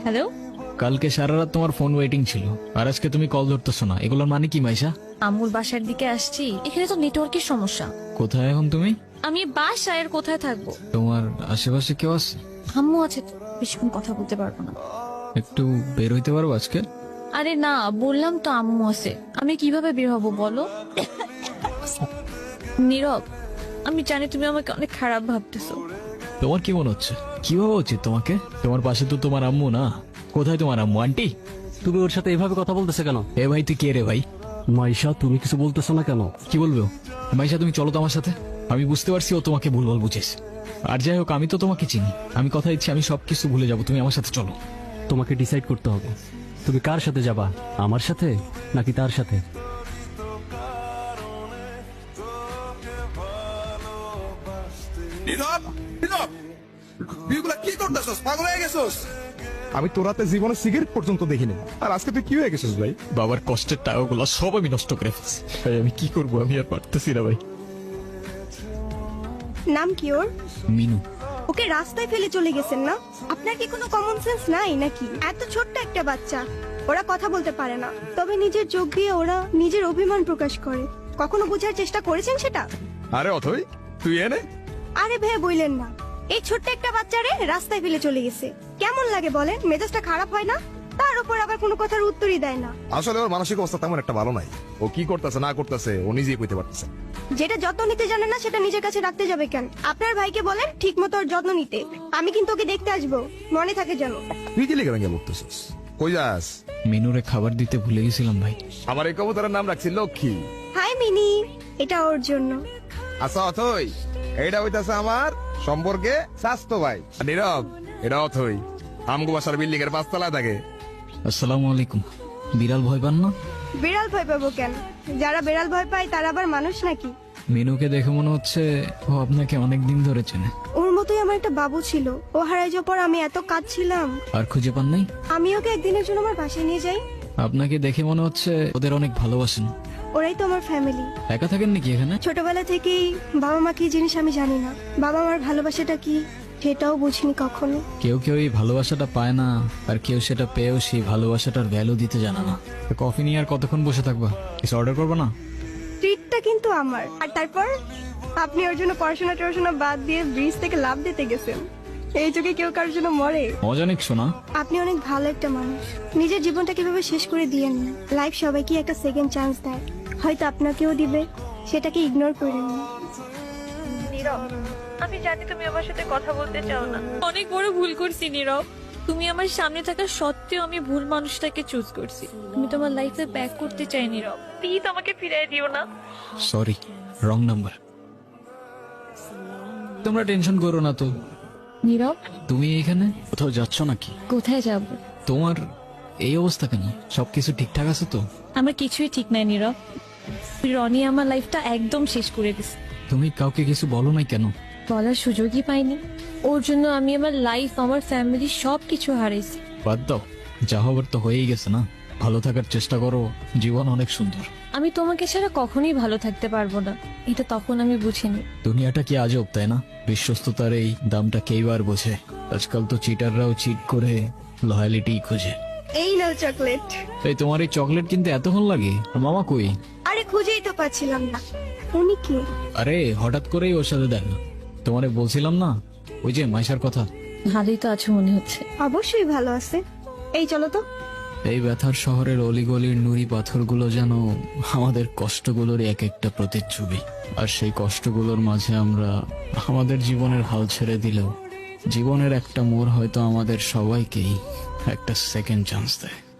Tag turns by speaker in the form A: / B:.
A: Hello,
B: কালকে সারা রাত তোমার ফোন ওয়েটিং ছিল, আর আজকে তুমি কল ধরতেছো না, এগুলোর মানে কি মাইশা?
A: আম্মুর বাসার দিকে আসছি, এখানে তো নেটওয়ার্কের সমস্যা।
B: কোথায় এখন তুমি?
A: আমি বাসায় আর কোথায় থাকবো?
B: তোমার আশেপাশে কেউ আছে?
A: আম্মু আছে তো, বেশিক্ষণ কথা বলতে পারবো না।
B: একটু বের হইতে পারবো আজকে?
A: আরে না, বললাম তো আম্মু আছে, আমি কিভাবে বের হবো বলো? নীরব, আমি জানি তুমি আমাকে অনেক খারাপ ভাবতেছো।
B: তোমার কি মনে হচ্ছে? কি ভাবা উচিত তোমাকে? তোমার পাশে তো তোমার আম্মু না। কোথায় তোমার আম্মু? আন্টি,
C: তুমি ওর সাথে এভাবে কথা বলতেছে কেন?
B: এ ভাই তুই কে রে ভাই?
C: মাইশা, তুমি কিছু বলতেছো না কেন?
B: কি বলবো? মাইশা তুমি চলো তো আমার সাথে। আমি বুঝতে পারছি ও তোমাকে ভুলভাল বুঝেছ। আর যাই হোক, আমি তো তোমাকে চিনি। আমি কথা দিচ্ছি আমি সবকিছু ভুলে যাবো, তুমি আমার সাথে চলো।
C: তোমাকে ডিসাইড করতে হবে, তুমি কার সাথে যাবা, আমার সাথে নাকি তার সাথে?
D: নীরব, নীরব, তুইগুলা কি করতেছস? পাগল হয়ে গেছস?
E: আমি তোর রাতে জীবনে সিগারেট পর্যন্ত দেখিনি, আর আজকে তুই কি হয়ে গেছিস ভাই?
B: বাবার কষ্টের টাকাগুলো সব আমি নষ্ট করে ফেলছি ভাই। আমি কি করবো? আমি আর পারতেছি না ভাই।
F: নাম কি ওর?
B: মিনু।
F: ওকে রাস্তায় ফেলে চলে গেছেন না? আপনার কি কোনো কমন সেন্স নাই নাকি? এত ছোট্ট একটা বাচ্চা, ওরা কথা বলতে পারে না, তবে নিজের চোখ দিয়ে ওরা নিজের অভিমান প্রকাশ করে। কখনো বোঝার চেষ্টা করেছেন সেটা?
E: আরে অথই, তুই এনে
F: আরে ভাই বললেন না, এই ছোট্ট একটা বাচ্চারে রাস্তায় ফেলে চলে গেছে। কেমন লাগে বলেন? মেজাজটা খারাপ হয় না? তার উপর আবার কোনো কথার উত্তরই দেয় না।
E: আসলে ওর মানসিক অবস্থা তেমন একটা ভালো নাই। ও কি করতেছে না করতেছে ও নিজেই কইতে পারতেছে।
F: যেটা যত্ন নিতে জানে না সেটা নিজের কাছে রাখতে যাবে কেন? আপনার ভাইকে বলেন ঠিক মতো ওর যত্ন নিতে। আমি কিন্তু ওকে দেখতে আসবো, মনে থাকে যেন।
E: তুই কি লেগে ভেঙে বলতেছিস? কই যাস?
B: মিনুরে খাবার দিতে ভুলে গেছিলাম ভাই।
E: আমার এই কবুতরের নাম রাখছি লক্ষ্মী।
F: হাই মিনি, এটা ওর জন্য।
E: আচ্ছা অথই, এইটা হইতাছে আমার সম্পর্কে স্বাস্থ্য ভাই। আর নীরব, এটা অথই আমগো বাসার বিল্ডিং এর 5 তলায় থাকে।
B: আসসালামু আলাইকুম। বিড়াল ভয় পান না?
F: বিড়াল ভয় পাবো কেন? যারা বিড়াল ভয় পায় তারা আবার মানুষ নাকি?
B: মিনুকে দেখে মনে হচ্ছে ও আপনাকে অনেক দিন ধরে চেনে।
F: ওর মতোই আমার একটা বাবু ছিল, ও হারাই যাওয়ার পর আমি এত কাঁদছিলাম।
B: আর খুঁজে পান নাই?
F: আমি ওকে একদিনের জন্য আমার বাসায় নিয়ে যাই।
B: আপনাকে দেখে মনে হচ্ছে ওদের অনেক ভালোবাসেন।
F: ওরাই তো আমার ফ্যামিলি।
B: একা থাকেন নাকি এখানে?
F: ছোটবেলা থেকেই বাবা মা কি জিনিস আমি জানি না, বাবা মার ভালোবাসাটা কি সেটাও বুঝিনি কখনো।
B: কেউ কেউ এই ভালোবাসাটা পায় না, আর কেউ সেটা পেয়েও সেই ভালোবাসাটার ভ্যালু দিতে জানে না। তো কফি নিয়ে আর কতক্ষণ বসে থাকবা? কিছু অর্ডার করবো না?
F: ট্রিটটা কিন্তু আমার। আর তারপর আপনি ওর জন্য পড়াশোনা বাদ দিয়ে ব্রিজ থেকে লাফ দিতে গেছেন। এই যুগে কেউ কারোর জন্য মরে?
B: মজা নিক শোনা।
F: আপনি অনেক ভালো একটা মানুষ। নিজের জীবনটা কিভাবে শেষ করে দিয়েন না। লাইফ সবাইকে একটা সেকেন্ড চান্স দেয়, হয়তো আপনাকেও দিবে, সেটাকে ইগনোর করেন না।
A: আমি জানি তুমি আমার সাথে কথা বলতে চাও না, অনেক বড় ভুল করছি নীরব। তুমি আমার সামনে থাকা সত্ত্বেও আমি ভুল মানুষটাকে চুজ করছি। আমি তোমার লাইফে ব্যাক করতে চাই নীরব, প্লিজ আমাকে ফিরিয়ে দিও না।
B: Sorry, wrong number. তোমরা টেনশন করো না তো।
A: নীরব,
B: তুমি এখানে কোথাও যাচ্ছ নাকি?
A: কোথায় যাব?
B: তোমার এই অবস্থা কেন? সবকিছু ঠিকঠাক আছে তো?
A: আমার কিছুই ঠিক নাই নীরব। রনি আমার লাইফটা একদম শেষ করে দিছে।
B: তুমি কাউকে কিছু বলো নাই কেন?
A: বলার সুযোগই পাইনি। ওর জন্য আমি আমার লাইফ, আমার ফ্যামিলি সবকিছু হারাইছি।
B: বাদ দাও, যা হবার তো হয়েই গেছে না। ভালো থাকার চেষ্টা করো, জীবন অনেক সুন্দর।
A: আমি তোমাকে ছাড়া কখনোই ভালো থাকতে পারবো না, এটা তখন আমি বুঝিনি।
B: দুনিয়াটা কি আজব, তাই না? বিশ্বস্ততার এই দামটা কেইবার বোঝে? আজকাল তো চিটাররাও চিট করে লয়ালিটি খোঁজে।
F: এই নাও চকলেট।
B: এই তোমার এই চকলেট কিনতে এতক্ষণ লাগে? আর মামা কই?
F: আরে খুঁজেই তো পাচ্ছিলাম না। উনি কে?
B: আরে হঠাৎ করেই ওর সাথে দেখা। তোমারে বলছিলাম না, ওই যে মাইশার কথা।
A: ভালোই তো আছো মনে হচ্ছে।
F: অবশ্যই ভালো আছে। এই চলো তো।
B: এই ব্যথার শহরের অলিগলির নুড়ি পাথরগুলো যেন আমাদের কষ্টগুলোর এক একটা প্রতিচ্ছবি। আর সেই কষ্টগুলোর মাঝে আমরা আমাদের জীবনের হাল ছেড়ে দিলেও জীবনের একটা মোড় হয়তো আমাদের সবাইকেই একটা সেকেন্ড চান্স দেয়।